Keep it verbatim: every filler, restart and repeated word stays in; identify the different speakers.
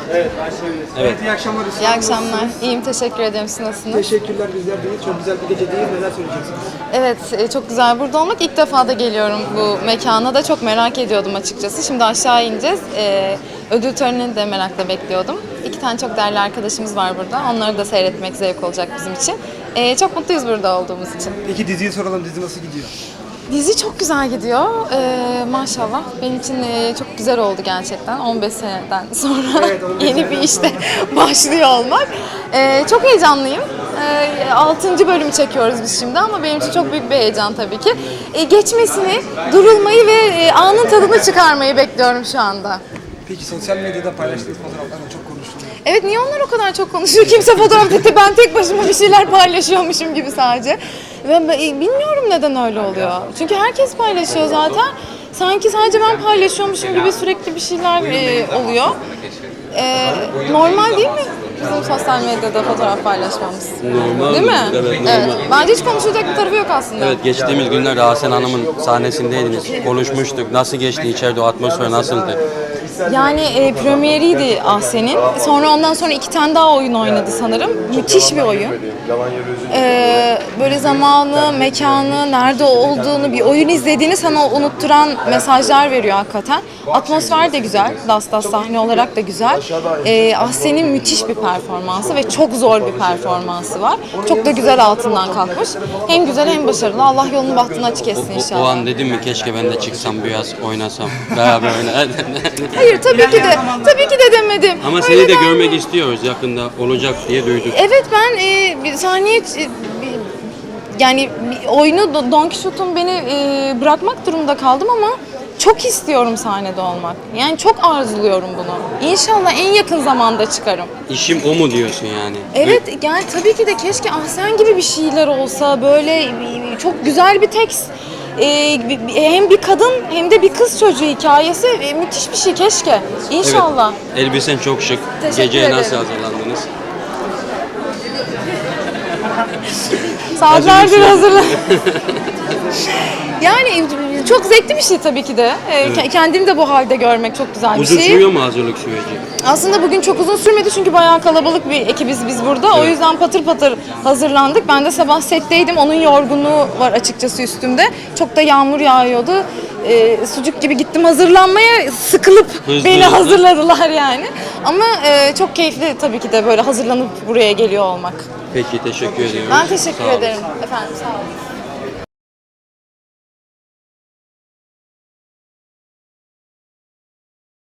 Speaker 1: Evet, başlayabiliriz. Evet. Evet, iyi akşamlar.
Speaker 2: İyi akşamlar. İyiyim, teşekkür ederim. Siz nasılsınız?
Speaker 1: Teşekkürler, bizler deyiz. Çok güzel bir gecedeyiz. Neler söyleyeceksiniz?
Speaker 2: Evet, e, çok güzel burada olmak. İlk defa da geliyorum bu mekana da. Çok merak ediyordum açıkçası. Şimdi aşağı ineceğiz. E, ödül törenini de merakla bekliyordum. İki tane çok değerli arkadaşımız var burada. Onları da seyretmek zevk olacak bizim için. E, çok mutluyuz burada olduğumuz için.
Speaker 1: Peki diziyi soralım. Dizi nasıl gidiyor?
Speaker 2: Dizi çok güzel gidiyor. Ee, maşallah. Benim için e, çok güzel oldu gerçekten. on beş seneden sonra
Speaker 1: Evet, on beş
Speaker 2: yeni bir
Speaker 1: seneden
Speaker 2: işte başlıyor olmak. Ee, çok heyecanlıyım. Ee, altıncı bölümü çekiyoruz biz şimdi ama benim için çok büyük bir heyecan tabii ki. Ee, geçmesini, durulmayı ve e, anın tadını çıkarmayı bekliyorum şu anda.
Speaker 1: Peki sosyal medyada paylaştığınız fotoğraflarla çok konuşuluyor.
Speaker 2: Evet, niye onlar o kadar çok konuşuyor? Kimse fotoğraf dedi, ben tek başıma bir şeyler paylaşıyormuşum gibi sadece. Ben, ben bilmiyorum neden öyle oluyor. Çünkü herkes paylaşıyor zaten. Sanki sadece ben paylaşıyormuşum gibi sürekli bir şeyler e, oluyor. E, normal değil mi bizim sosyal medyada fotoğraf paylaşmamız?
Speaker 3: Normal
Speaker 2: Değil mi?
Speaker 3: Evet, normal.
Speaker 2: Evet. Bence hiç konuşulacak bir tarafı yok aslında.
Speaker 3: Evet, geçtiğimiz günlerde Hasan Hanım'ın sahnesindeydiniz. Konuşmuştuk. Nasıl geçti içeride, o atmosfer nasıldı?
Speaker 2: Yani e, premieriydi Ahsen'in. Sonra ondan sonra iki tane daha oyun oynadı sanırım. Müthiş bir oyun. Ee, böyle zamanı, mekanı, nerede olduğunu, bir oyun izlediğini sana unutturan mesajlar veriyor hakikaten. Atmosfer de güzel. Das Das sahne olarak da güzel. Ee, Ahsen'in müthiş bir performansı ve çok zor bir performansı var. Çok da güzel altından kalkmış. Hem güzel hem başarılı. Allah yolunu bahtını açık etsin
Speaker 3: O, o
Speaker 2: inşallah.
Speaker 3: an dedim mi keşke ben de çıksam biraz oynasam. Beraber oynardım.
Speaker 2: Hayır, tabii ki de. Tabii ki de demedim.
Speaker 3: Ama
Speaker 2: Öyle
Speaker 3: seni de
Speaker 2: denmiyor.
Speaker 3: görmek istiyoruz, yakında olacak diye duyduk.
Speaker 2: Evet, ben e, bir sahneye e, bir- yani bir oyunu Don Quixote'un beni e, bırakmak durumunda kaldım ama çok istiyorum sahnede olmak. Yani çok arzuluyorum bunu. İnşallah en yakın zamanda çıkarım.
Speaker 3: İşim o mu diyorsun yani?
Speaker 2: Evet, yani tabii ki de keşke Ahsen gibi bir şeyler olsa, böyle e, çok güzel bir tekst. E, hem bir kadın hem de bir kız çocuğu hikayesi e, müthiş bir şey keşke. İnşallah.
Speaker 3: Evet, elbisen çok şık.
Speaker 2: Teşekkür
Speaker 3: Geceye
Speaker 2: ederim.
Speaker 3: nasıl hazırlandınız?
Speaker 2: Saatlerdir
Speaker 3: Hazır
Speaker 2: hazırlan. Yani çok zevkli bir şey tabii ki de. Ee,
Speaker 3: Evet.
Speaker 2: Kendimi de bu halde görmek çok güzel bir
Speaker 3: Uzun
Speaker 2: şey.
Speaker 3: sürüyor mu hazırlık süreci?
Speaker 2: Aslında bugün çok uzun sürmedi çünkü bayağı kalabalık bir ekibiz biz burada. O yüzden patır patır hazırlandık. Ben de sabah setteydim. Onun yorgunluğu var açıkçası üstümde. Çok da yağmur yağıyordu. Ee, sucuk gibi gittim hazırlanmaya, sıkılıp
Speaker 3: Hızlı
Speaker 2: beni
Speaker 3: hızlı.
Speaker 2: hazırladılar yani. Ama e, çok keyifli tabii ki de böyle hazırlanıp buraya geliyor olmak.
Speaker 3: Peki, teşekkür ediyorum.
Speaker 2: Ben teşekkür
Speaker 3: Sağ olun.
Speaker 2: ederim. Efendim, sağ olun.